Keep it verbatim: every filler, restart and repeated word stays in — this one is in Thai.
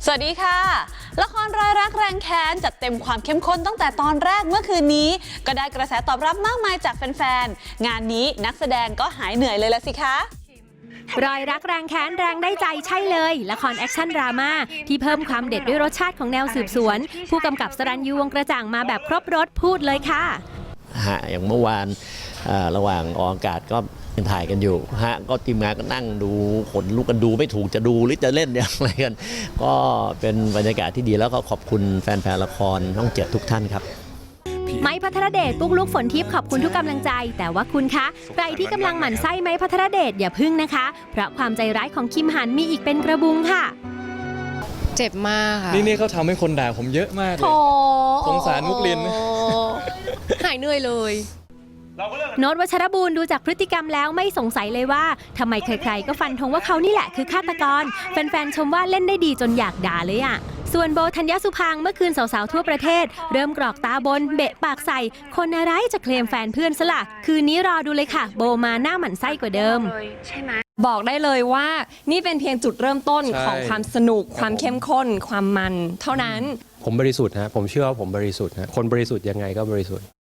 สวัสดีค่ะละครรอยรักแรงแค้นจัดเต็มความเข้มข้นตั้งแต่ตอนแรกเมื่อคืนนี้ก็ได้กระแสตอบรับมากมายจากแฟนๆงานนี้นักแสดงก็หายเหนื่อยเลยละสิคะรอยรักแรงแค้นแรงได้ใจใช่เลยละครแอคชั่นดราม่าที่เพิ่มความเด็ดด้วยรสชาติของแนวสืบสวนผู้กำกับสรัญยูวงศ์กระจ่างมาแบบครบรสพูดเลยค่ะฮะอย่างเมื่อวานระหว่างออกอากาศก็ยังถ่ายกันอยู่ฮะก็ทีมงานก็นั่งดูขนลุกกันดูไม่ถูกจะดูหรือจะเล่นอย่างไรกันก็เป็นบรรยากาศที่ดีแล้วก็ขอบคุณแฟนๆละครช่องเจ็ดทุกท่านครับไม้พัทรเดชปุ๊กลุกฝนทิพย์ขอบคุณทุกกำลังใจแต่ว่าคุณคะใครที่กำลังหมั่นไส้ไม้พัทรเดชอย่าพึ่งนะคะเพราะความใจร้ายของคิมหันมีอีกเป็นกระบุงค่ะเจ็บมากค่ะนี่นี่เขาทำให้คนด่าผมเยอะมากเลยสงสารมุกลินหายเหนื่อยเลยโน้ตวัชรบูรณ์ดูจากพฤติกรรมแล้วไม่สงสัยเลยว่าทำไมใครๆก็ฟันธงว่าเขานี่แหละคือฆาตกรแฟนๆชมว่าเล่นได้ดีจนอยากด่าเลยอ่ะส่วนโบธัญญสุพางค์เมื่อคืนสาวๆทั่วประเทศเริ่มกรอกตาบนเบะปากใส่คนอะไรจะเคลมแฟนเพื่อนซะล่ะคืนนี้รอดูเลยค่ะโบมาหน้าหมั่นไส้กว่าเดิมบอกได้เลยว่านี่เป็นเพียงจุดเริ่มต้นของความสนุกความเข้มข้นความมันเท่านั้นผมบริสุทธิ์ฮะผมเชื่อว่าผมบริสุทธิ์ฮะคนบริสุทธิ์ยังไงก็บริสุทธิ์